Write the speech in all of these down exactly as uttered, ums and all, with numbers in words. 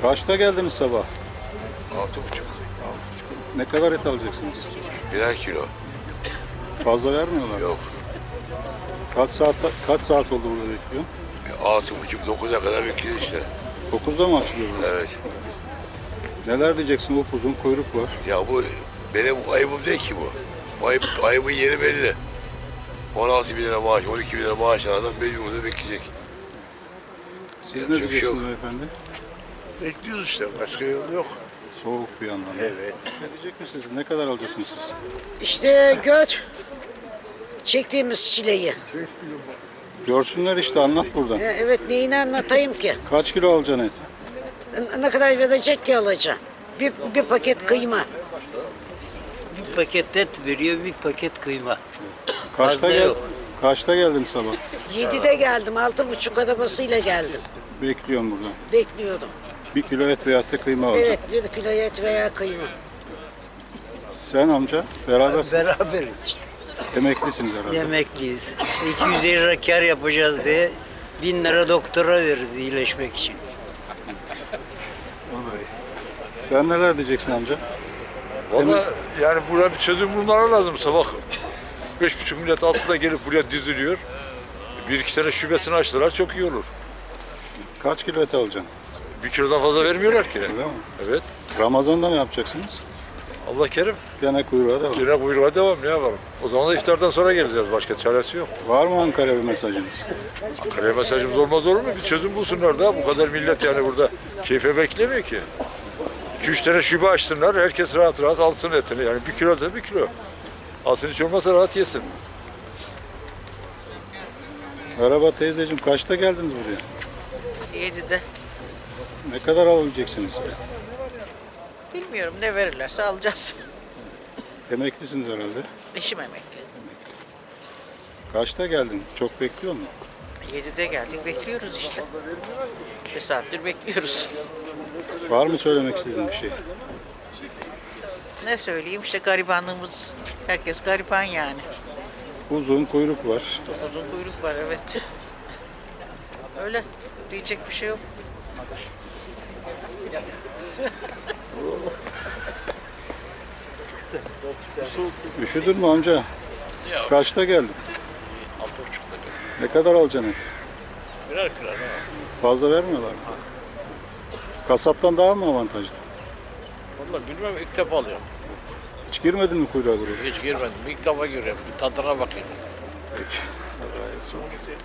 Kaçta geldiniz sabah? Altı buçuk. Altı buçuk. Ne kadar et alacaksınız? Birer kilo. Fazla vermiyorlar. Yok. Kaç saat kaç saat oldu burada bekliyorsun? Altı buçuk, dokuza kadar bekliyor işte. dokuzda mı açılıyor burası? Evet. Neler diyeceksin? Upuzun kuyruk var. Ya bu benim ayıbım değil ki bu. Bu ayıp, ayıbın yeri belli. on altı bin lira maaş, on iki bin lira maaş alan adam mecbur burada bekleyecek. Siz Yapacak ne bir şey diyeceksiniz yok. beyefendi? Bekliyoruz işte. Başka yol yok. Soğuk bir yandan. Evet. Ne diyecek misiniz? Ne kadar alacaksınız siz? İşte gör çektiğimiz çileyi. Görsünler işte, anlat buradan. E, Evet, neyini anlatayım ki? Kaç kilo alacaksın et? N- Ne kadar verecek ki alacağım? Bir, bir paket kıyma. Bir paket et veriyor, bir paket kıyma. Kaçta Fazla gel? yok. Kaçta geldin sabah? Yedide geldim, altı buçuk arabasıyla geldim. Bekliyorum burada. Bekliyordum. Bir kilo et veyahut da kıyma alacağım. Evet, bir kilo et veya kıyma. Sen amca berabersin. Beraberiz işte. Emeklisiniz herhalde. Yemekliyiz. iki yüz lira kar yapacağız diye bin lira doktora veririz iyileşmek için. Vallahi. Sen neler diyeceksin amca? Valla yani buraya bir çözüm bulmaları lazım. Sabah beş buçuk millet altıda gelip buraya diziliyor. Bir iki sene şubesini açtılar, çok iyi olur. Kaç kilo et alacaksın? Bir kilodan fazla vermiyorlar ki. Öyle mi? Evet. Ramazan'da ne yapacaksınız? Allah kerim. Gene kuyruğa devam. Yine kuyruğa devam, ne yapalım? O zaman da iftardan sonra geleceğiz. Başka çaresi yok. Var mı Ankara'ya bir mesajınız? Ankara'ya mesajımız olmaz olur mu? Bir çözüm bulsunlar da. Bu kadar millet yani burada keyfe beklemiyor ki. iki üç tane şube açsınlar. Herkes rahat rahat alsın etini. Yani bir kilo da bir kilo. Alsın, hiç olmazsa rahat yesin. Merhaba teyzeciğim, kaçta geldiniz buraya? Yedide. Ne kadar alabileceksiniz? Bilmiyorum, ne verirlerse alacağız. Emeklisiniz herhalde. Eşim emekli. Kaçta geldin? Çok bekliyor musun? Yedide geldik, bekliyoruz işte. Bir saattir bekliyoruz. Var mı söylemek istediğin bir şey? Ne söyleyeyim, işte garibanlığımız. Herkes gariban yani. Uzun kuyruk var. Çok uzun kuyruk var, evet. Öyle, diyecek bir şey yok. Üşüdün mü amca? Kaçta geldin? Altı buçukta geldim. Ne kadar alacaksın et? Birer kilo ne var? Fazla vermiyorlar mı? Kasaptan daha mı avantajlı? Vallahi bilmem, ilk defa alıyorum. Hiç girmedin mi kuyruğa buraya? Hiç girmedim. İlk defa görüyorum. Bir tadına bakayım. Peki. Hadi hayırlısı.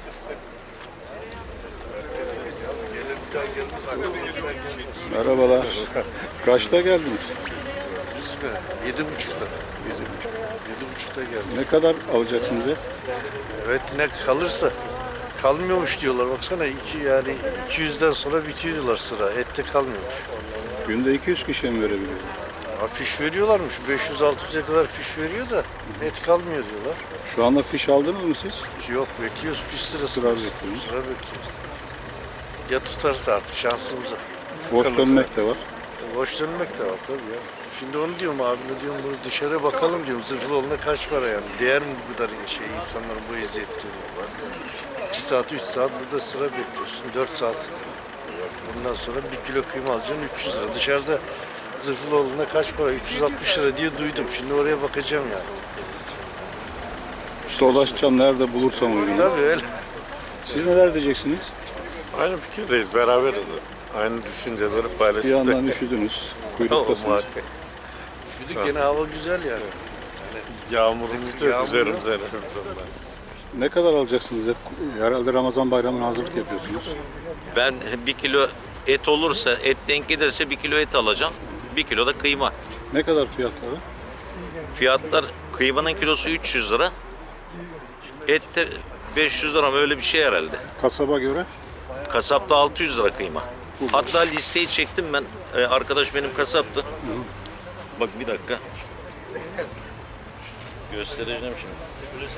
Merhabalar. Kaçta geldiniz? Yedi buçukta. Yedi buçukta geldi. Ne kadar alacaksınız et? Evet, ne kalırsa. Kalmıyormuş diyorlar, baksana iki yani iki yüzden sonra bitiyor diyorlar sıra. Ette kalmıyormuş. Günde iki yüz kişiye mi verebiliyor? Ha, fiş veriyorlarmış. beş yüz altı yüze kadar fiş veriyor da et kalmıyor diyorlar. Şu anda fiş aldınız mı siz? Yok, bekliyoruz fiş sırası. Sıra bekliyoruz. Sıra bekliyoruz. Ya tutarsa artık şansımıza. Boş Kalırsa. dönmek de var. Boş dönmek de var tabii ya. Şimdi onu diyorum abime, diyorum bunu dışarı bakalım diyorum, zırhlı olana kaç para yani. Değer mi bu kadar şey insanların bu eziyeti diyorum. iki saat, üç saat burada sıra bekliyorsun. dört saat. Ondan sonra bir kilo kıyma alacaksın üç yüz lira. Dışarıda zırhlı olana kaç para? üç yüz altmış lira diye duydum. Şimdi oraya bakacağım yani. Dolaşacağım nerede bulursam uygun. Tabii öyle. Siz neler diyeceksiniz? Aynı fikirdeyiz, beraberiz zaten. Aynı düşünceleri Bir paylaşıp yandan da üşüdünüz, o kuyruktasınız. muhakkak. Bir de gene hava güzel yani. Yağmurumuz yok Yağmur üzerimize yok. en azından. Ne kadar alacaksınız et? Herhalde Ramazan bayramına hazırlık yapıyorsunuz. Ben bir kilo et olursa, et denk gelirse bir kilo et alacağım. Bir kilo da kıyma. Ne kadar fiyatları? Fiyatlar, kıymanın kilosu üç yüz lira. Et de beş yüz lira mı, öyle bir şey herhalde. Kasaba göre? Kasapta altı yüz lira kıyma. Hatta listeyi çektim ben. Ee, arkadaş benim kasaptı. Bak bir dakika. Göstereceğim şimdi.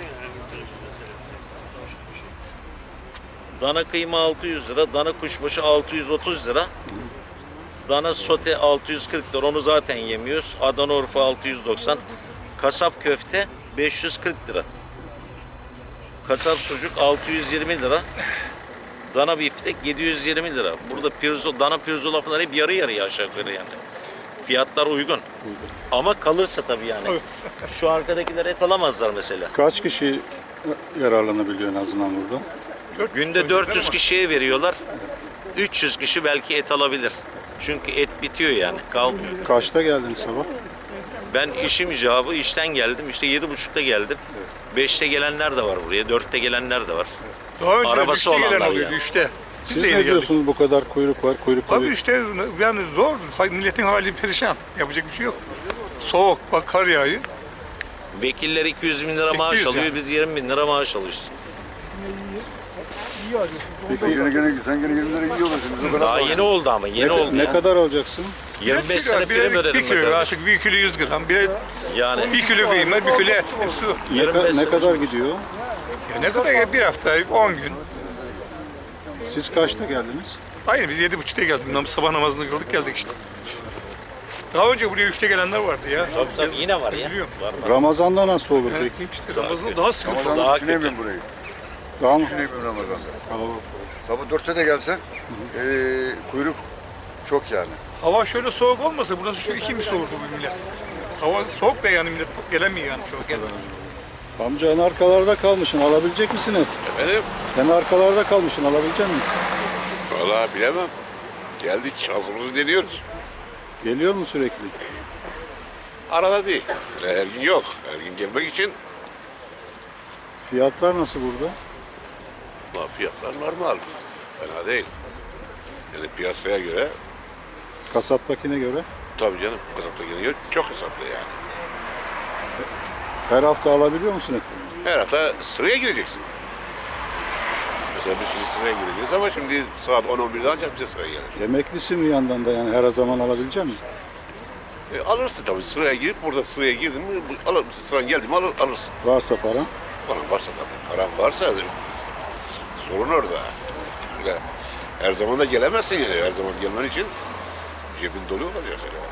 Dana kıyma altı yüz lira, dana kuşbaşı altı yüz otuz lira. Dana sote altı yüz kırk lira, onu zaten yemiyoruz. Adana Urfa altı yüz doksan. Kasap köfte beş yüz kırk lira. Kasap sucuk altı yüz yirmi lira. Dana biftek yedi yüz yirmi lira. Burada pirzo, dana pirzola falan hep yarı yarıya aşağı yukarı yani. Fiyatlar uygun. Ama kalırsa tabii yani. Şu arkadakiler et alamazlar mesela. Kaç kişi yararlanabiliyor en azından burada? Günde dört yüz kişiye veriyorlar. üç yüz kişi belki et alabilir. Çünkü et bitiyor yani, kalmıyor. Kaçta geldiniz sabah? Ben işim icabı işten geldim. İşte yedi buçukta geldim. Beşte gelenler de var buraya, dörtte gelenler de var. Daha önce Arabası üçte gelen olanlar oluyordu, yani. üçte. Biz Siz de yeni ne geldik. diyorsunuz, bu kadar kuyruk var, kuyruk Abi kuyruk. işte yani zor. Hay- Milletin hali perişan. Yapacak bir şey yok. Soğuk, bak kar yağıyor. Vekiller iki yüz bin lira maaş iki yüz alıyor, yani. biz yirmi bin lira maaş alıyoruz. Peki Gene gene sen gene yirmi lira yiyorlar şimdi. Daha yeni oldu ama, yeni ne, oldu ne ya. kadar alacaksın? yirmi beş kilo, sene bir- prim bir ödedim kilo, ben. artık bir kilo yüz gram, bir, Yani bir kilo kıyma, bir kilo et. Hepsi o. Ne, yirmi ka- beş ne sene- kadar gidiyor? Ya ne kadar ya? Bir hafta, on gün. Siz kaçta geldiniz? Aynı biz yedi buçukta geldik. Nam- Sabah namazını kıldık geldik işte. Daha önce buraya üçte gelenler vardı ya. Tabii tabii yine var ya. Biliyorum. Var var. Ramazan'da nasıl olur Evet, peki? işte Ramazan'da daha sıkıntı. Daha kötü. burayı. Daha mı Düşünemiyorum Ramazan'da. kalabalık? Sabah dörtte de gelsen eee kuyruk çok yani. Hava şöyle soğuk olmasa burası şu iki misli olurdu bu millet. Hava soğuk da yani millet gelemiyor yani çok gelmiyor. Amca en arkalarda kalmışsın, alabilecek misin et? Efendim? En arkalarda kalmışsın, alabilecek misin? Vallahi bilemem. Geldik, şansımızı deniyoruz. Geliyor mu sürekli? Arada bir. Yani her gün yok. Her gün gelmek için Fiyatlar nasıl burada? la fiyatlar normal. Fena değil. Yani piyasaya göre Kasaptakine göre. tabii canım kasaptakine göre çok hesaplı yani. Her hafta alabiliyor musun et? Her hafta sıraya gireceksin. Mesela biz şimdi sıraya gireceğiz ama şimdi saat on on birde ancak bize sıra gelir. Emeklisin bir yandan da, yani her zaman alabilecek misin? E, alırsın tabii sıraya girip burada sıraya girdin mi bu- alır, sıran geldi mi alır, alırsın. Varsa paran. Paran varsa tabii. Paran varsa sorun orada. Öyle her zaman da gelemezsin yani. Her zaman gelmen için cebin dolu olacak. Yani.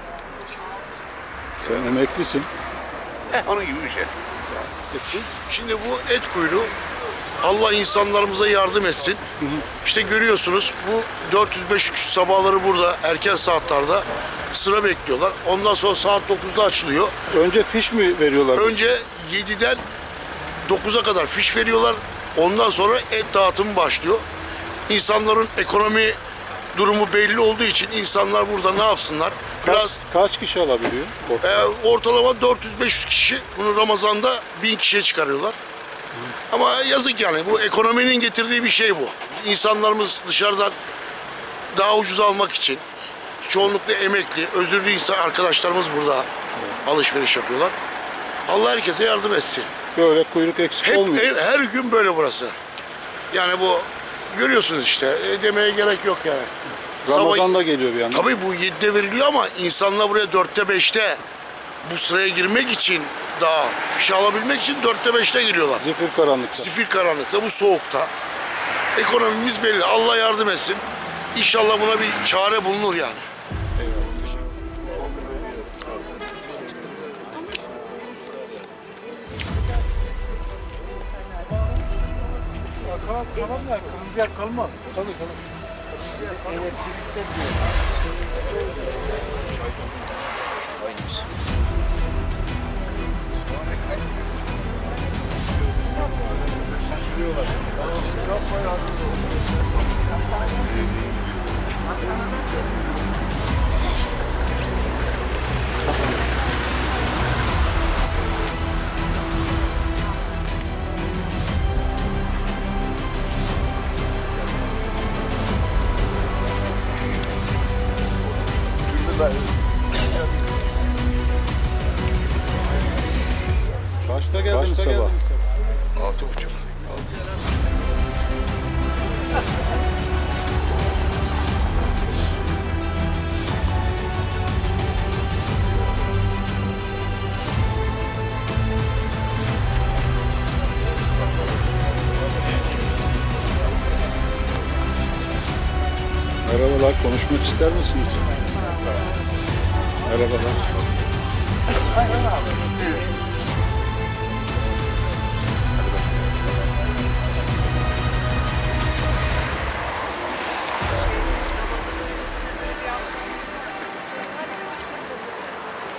Sen emeklisin. Heh, onun gibi bir şey. Şimdi bu et kuyruğu Allah insanlarımıza yardım etsin. İşte görüyorsunuz bu dört yüz beş yüz sabahları burada erken saatlerde sıra bekliyorlar. Ondan sonra saat dokuzda açılıyor. Önce fiş mi veriyorlar? Önce yediden dokuza kadar fiş veriyorlar. Ondan sonra et dağıtımı başlıyor. İnsanların ekonomi durumu belli olduğu için insanlar burada ne yapsınlar? Kaç, Biraz kaç kişi alabiliyor? e, ortalama dört yüz beş yüz kişi. Bunu Ramazan'da bin kişiye çıkarıyorlar. Ama yazık yani bu ekonominin getirdiği bir şey bu. İnsanlarımız dışarıdan daha ucuz almak için çoğunlukla emekli, özürlü insan arkadaşlarımız burada alışveriş yapıyorlar. Allah herkese yardım etsin. Böyle kuyruk eksik Hep, olmuyor. her, her gün böyle burası. Yani bu görüyorsunuz işte e, demeye gerek yok yani. Ramazan'da geliyor bir yandan. Tabii bu yedide veriliyor ama insanlar buraya dörtte beşte bu sıraya girmek için daha fiş alabilmek için dörtte beşte geliyorlar. Zifir karanlıkta. Zifir karanlıkta, bu soğukta. Ekonomimiz belli. Allah yardım etsin. İnşallah buna bir çare bulunur yani. Kaçta geldiniz sabah? Altı buçuk. Merhabalar, konuşmak ister misiniz? Merhabalar.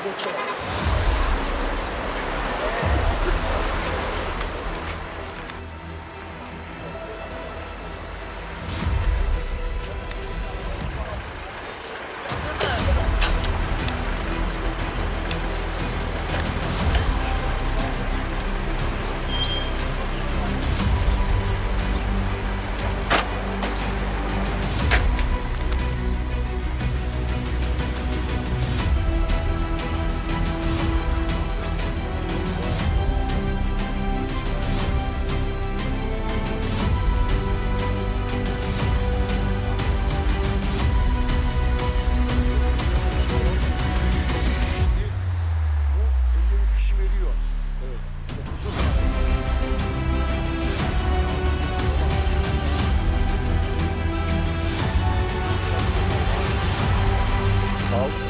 Aldım.